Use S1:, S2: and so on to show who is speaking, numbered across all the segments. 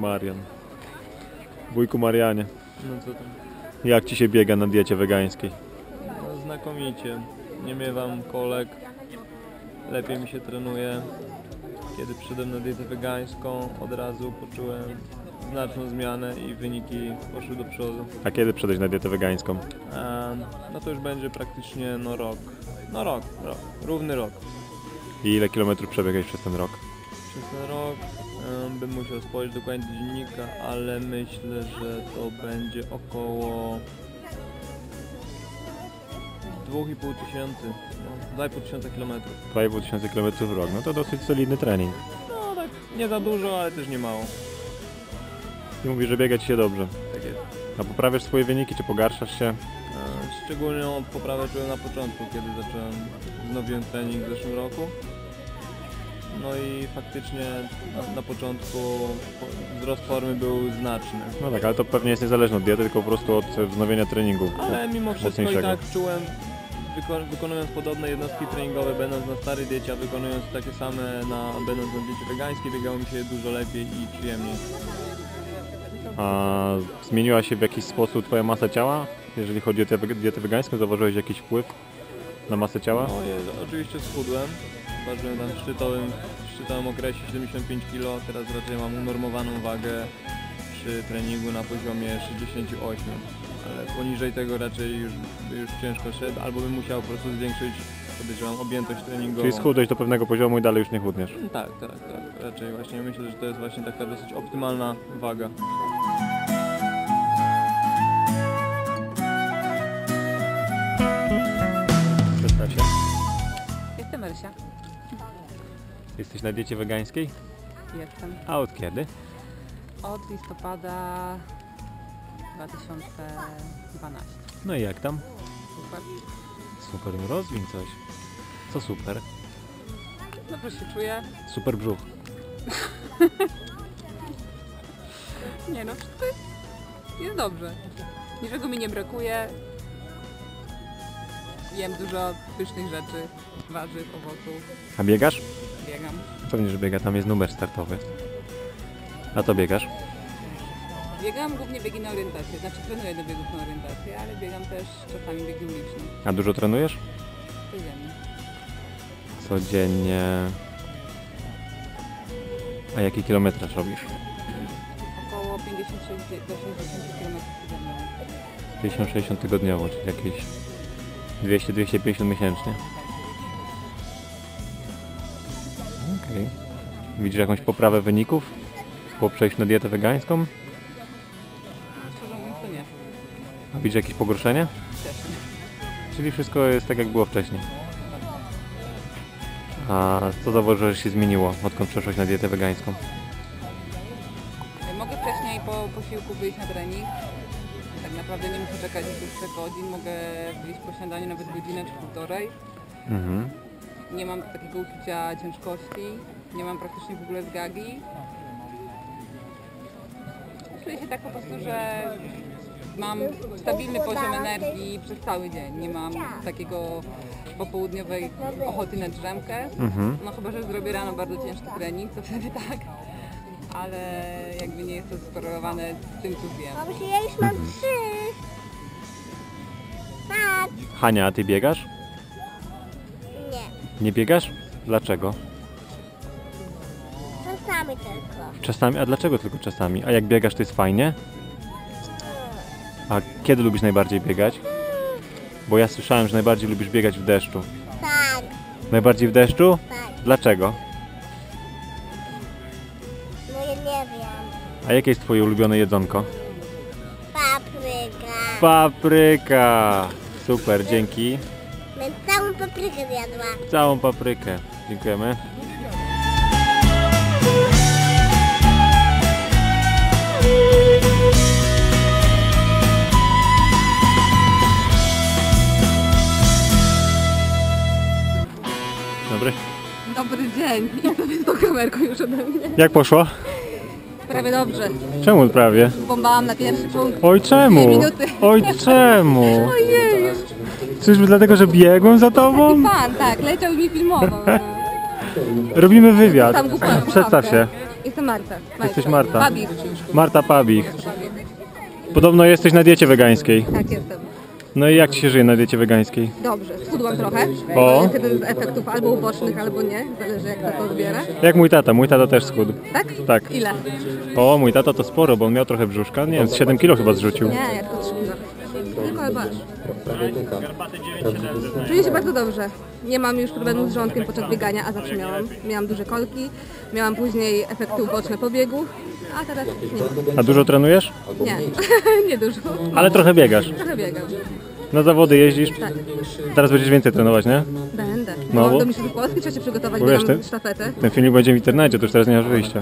S1: Marian. Wujku Marianie,
S2: No co tam?
S1: jak ci się biega na diecie wegańskiej?
S2: No, znakomicie. Nie miewam kolek. Lepiej mi się trenuje. Kiedy przyszedłem na dietę wegańską, od razu poczułem znaczną zmianę i wyniki poszły do przodu.
S1: A kiedy przejść na dietę wegańską?
S2: No to już będzie praktycznie rok. No rok. Równy rok.
S1: I ile kilometrów przebiegłeś przez ten rok?
S2: Przez ten rok bym musiał spojrzeć dokładnie do dziennika, ale myślę, że to będzie około 2,5 tysiąca, 2,5 tysiąca kilometrów.
S1: 2,5 tysiąca kilometrów w rok, no to dosyć solidny trening.
S2: No tak, nie za dużo, ale też nie mało.
S1: I mówisz, że biega ci się dobrze.
S2: Tak jest.
S1: A poprawiasz swoje wyniki, czy pogarszasz się?
S2: Szczególną poprawę czułem na początku, kiedy wznowiłem trening w zeszłym roku. No i faktycznie na początku wzrost formy był znaczny.
S1: No tak, ale to pewnie jest niezależne od diety, tylko po prostu od wznowienia treningu.
S2: Ale mimo wszystko i
S1: mocniejszego.
S2: tak czułem, wykonując podobne jednostki treningowe, będąc na starej diecie, a wykonując takie same będąc na diecie wegańskiej, biegało mi się dużo lepiej i przyjemniej.
S1: A zmieniła się w jakiś sposób twoja masa ciała? Jeżeli chodzi o dietę wegańską, zauważyłeś jakiś wpływ na masę ciała?
S2: No oczywiście schudłem. Ważyłem tam w szczytowym okresie 75 kg, teraz raczej mam unormowaną wagę przy treningu na poziomie 68, ale poniżej tego raczej już ciężko szedł, albo bym musiał po prostu zwiększyć, podejrzewam, objętość treningową.
S1: Czyli schudłeś do pewnego poziomu i dalej już nie chudniesz?
S2: Tak, raczej właśnie myślę, że to jest właśnie taka dosyć optymalna waga.
S1: Przedstaw się.
S3: Jestem Elsia.
S1: Jesteś na diecie wegańskiej?
S3: Jestem.
S1: A od kiedy?
S3: Od listopada 2012.
S1: No i jak tam?
S3: Super.
S1: Super, no rozwiń coś. Co super?
S3: Dobrze się czuję.
S1: Super brzuch.
S3: Nie no, wszystko jest dobrze. Niczego mi nie brakuje. Jem dużo pysznych rzeczy, warzyw, owoców.
S1: A biegasz?
S3: Biegam.
S1: Pewnie, że biega, tam jest numer startowy. A to biegasz?
S3: Biegam głównie biegi na orientację. Znaczy trenuję do biegów na orientację, ale biegam też czasami biegi uliczne.
S1: A dużo trenujesz?
S3: Codziennie.
S1: Codziennie. A jaki kilometraż robisz?
S3: Około 56 do 60 km tygodniowo.
S1: 50-60 tygodniowo, czyli jakieś 200-250 miesięcznie. Okej. Widzisz jakąś poprawę wyników po przejściu na dietę wegańską?
S3: Szczerze mówiąc to nie.
S1: A widzisz jakieś pogorszenie?
S3: Też nie.
S1: Czyli wszystko jest tak jak było wcześniej. A co zauważyłeś, że się zmieniło, odkąd przeszłaś na dietę wegańską?
S3: Mogę wcześniej po posiłku wyjść na trening. Tak naprawdę nie muszę czekać do 3 godzin. Mogę wyjść po śniadaniu nawet godzinę czy półtorej.
S1: Mhm.
S3: Nie mam takiego uczucia ciężkości. Nie mam praktycznie w ogóle zgagi. Czuję się tak po prostu, że mam stabilny poziom energii przez cały dzień. Nie mam takiego popołudniowej ochoty na drzemkę.
S1: Mhm.
S3: No chyba, że zrobię rano bardzo ciężki trening, to wtedy tak. Ale jakby nie jest to skorelowane z tym, co wiem.
S4: Babciu, ja już mam 3. Patrz.
S1: Hania, a ty biegasz?
S4: Nie,
S1: Nie biegasz? Dlaczego?
S4: czasami tylko.
S1: Czasami, a dlaczego tylko czasami? A jak biegasz, to jest fajnie? A kiedy lubisz najbardziej biegać? Bo ja słyszałem, że najbardziej lubisz biegać w deszczu.
S4: Tak,
S1: Najbardziej w deszczu?
S4: tak.
S1: Dlaczego?
S4: No ja nie wiem.
S1: A jakie jest twoje ulubione jedzonko?
S4: Papryka.
S1: Papryka! Super, dzięki.
S4: Będę całą paprykę zjadła.
S1: Całą paprykę. Dziękujemy. Dobry.
S3: Dobry dzień. Ja to jest tą kamerką już ode mnie.
S1: Jak poszło?
S3: Prawie dobrze.
S1: Czemu prawie?
S3: Bombałam na pierwszy punkt.
S1: Oj, czemu?
S3: 2 minuty.
S1: Oj, czemu?
S3: Ojej.
S1: Czyżby dlatego, że biegłem za tobą?
S3: Pan, tak, leciał i mi filmował.
S1: Robimy wywiad.
S3: Tam głupałem
S1: Przedstaw się.
S3: słuchawkę.
S5: Jestem Marta.
S1: Jesteś Marta.
S5: Babik.
S1: Marta Pabich. Podobno jesteś na diecie wegańskiej.
S5: Tak, jestem.
S1: No i jak ci się żyje na diecie wegańskiej?
S5: Dobrze, schudłam trochę.
S1: O.
S5: To jest jeden z efektów albo ubocznych, albo nie. Zależy jak to odbiera.
S1: Jak mój tata też schudł.
S5: Tak?
S1: Tak.
S5: Ile?
S1: O, mój tata to sporo, bo on miał trochę brzuszka. Nie wiem, z 7 kilo chyba zrzucił.
S5: Nie, jak to 3 kilo. Tylko albo aż. Czuję się bardzo dobrze. Nie mam już problemu z żołądkiem podczas biegania, a zawsze miałam. Miałam duże kolki, miałam później efekty uboczne po biegu, a teraz nie.
S1: A dużo trenujesz?
S5: Nie, nie dużo.
S1: Ale trochę biegasz.
S5: Trochę biegam.
S1: Na zawody jeździsz?
S5: Tak.
S1: Teraz będziesz więcej trenować, nie?
S5: Będę.
S1: No,
S5: Mam
S1: bo-
S5: do Mistrzostw Polski, trzeba się przygotować,
S1: Bo
S5: bo
S1: wiesz,
S5: mam
S1: ten-
S5: sztafetę.
S1: Ten filmik będzie w internecie, to już teraz nie masz wyjścia.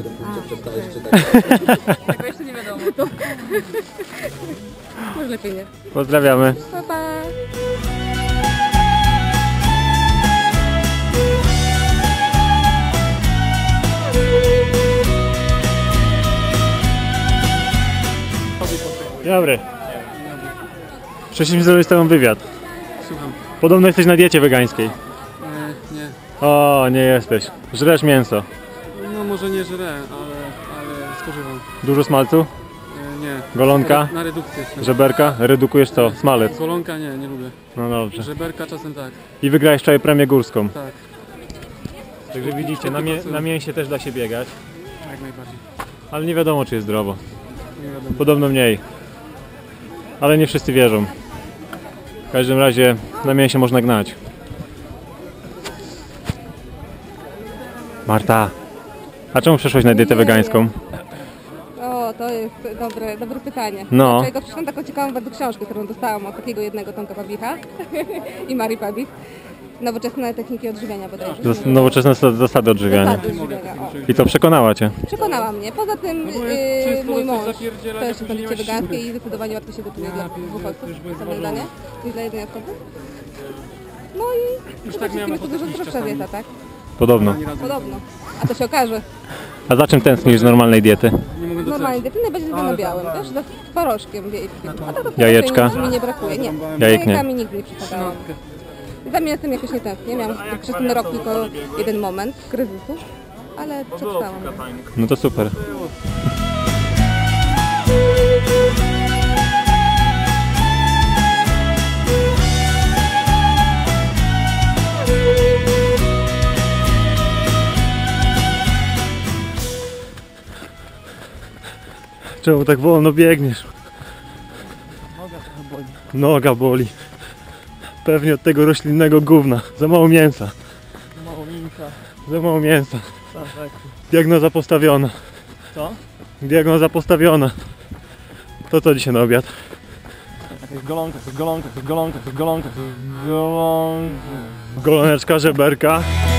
S3: Tego jeszcze nie wiadomo.
S5: Może lepiej nie.
S1: Pozdrawiamy.
S5: Pa, pa.
S1: Dobry. Przyszliśmy zrobić z tobą wywiad.
S6: Słucham.
S1: Podobno jesteś na diecie wegańskiej.
S6: Nie.
S1: O, nie jesteś. Żresz mięso.
S6: No może nie żrę, ale spożywam.
S1: Dużo smalcu?
S6: Nie.
S1: Golonka?
S6: Na redukcję jestem.
S1: Żeberka? Redukujesz co? Smalec.
S6: Golonka nie lubię.
S1: No dobrze.
S6: Żeberka czasem tak.
S1: I wygrałeś wczoraj premię górską.
S6: Tak,
S1: Także widzicie, na mięsie też da się biegać.
S6: jak najbardziej.
S1: Ale nie wiadomo, czy jest zdrowo.
S6: Nie wiadomo.
S1: Podobno mniej. Ale nie wszyscy wierzą. W każdym razie na mięsie można gnać. Marta, a czemu przeszłaś na dietę wegańską?
S5: O, to jest dobre pytanie.
S1: No.
S5: Dlaczego przeczytam taką ciekawą bardzo książkę, którą dostałam od takiego jednego Tomka Pabicha i Marii Pabich. Nowoczesne techniki odżywiania bodajże.
S1: Nowoczesne zasady odżywiania.
S5: Zasady odżywiania, o.
S1: I to przekonała cię.
S5: Przekonała mnie. Poza tym
S6: często
S5: mój
S6: coś
S5: mąż
S6: zapierdziela,
S5: też
S6: jak
S5: jest na diecie
S6: używasz
S5: wegańskiej i zdecydowanie łatwiej się gotuje dla dwóch osób. Same danie niż dla jednej osoby. No i przede wszystkim jest to dużo zdrowsza dieta, tak?
S1: Podobno.
S5: Podobno. A to się okaże.
S1: A za czym tęsknisz z normalnej diety?
S6: Nie mogę
S5: Normalnie
S6: docenić.
S5: diety najbardziej lubię na białym, też z twarożkiem wiejskim. A to
S1: Jajeczka?
S5: raczej mi nie brakuje. Nie,
S1: Jajek nie.
S5: jajekami nigdy nie przypadałam. Za mnie jestem jakoś nie tęsknię. Miałam przez ten rok tylko jeden moment kryzysu, ale przetrwałam.
S1: No to super. Czemu tak wolno biegniesz? Noga boli. Pewnie od tego roślinnego gówna. Za mało mięsa.
S2: Mało mięsa.
S1: Za mało mięsa.
S2: Tak.
S1: Diagnoza postawiona.
S2: Co?
S1: Diagnoza postawiona. To co dzisiaj na obiad?
S2: Golonka.
S1: Goloneczka, żeberka.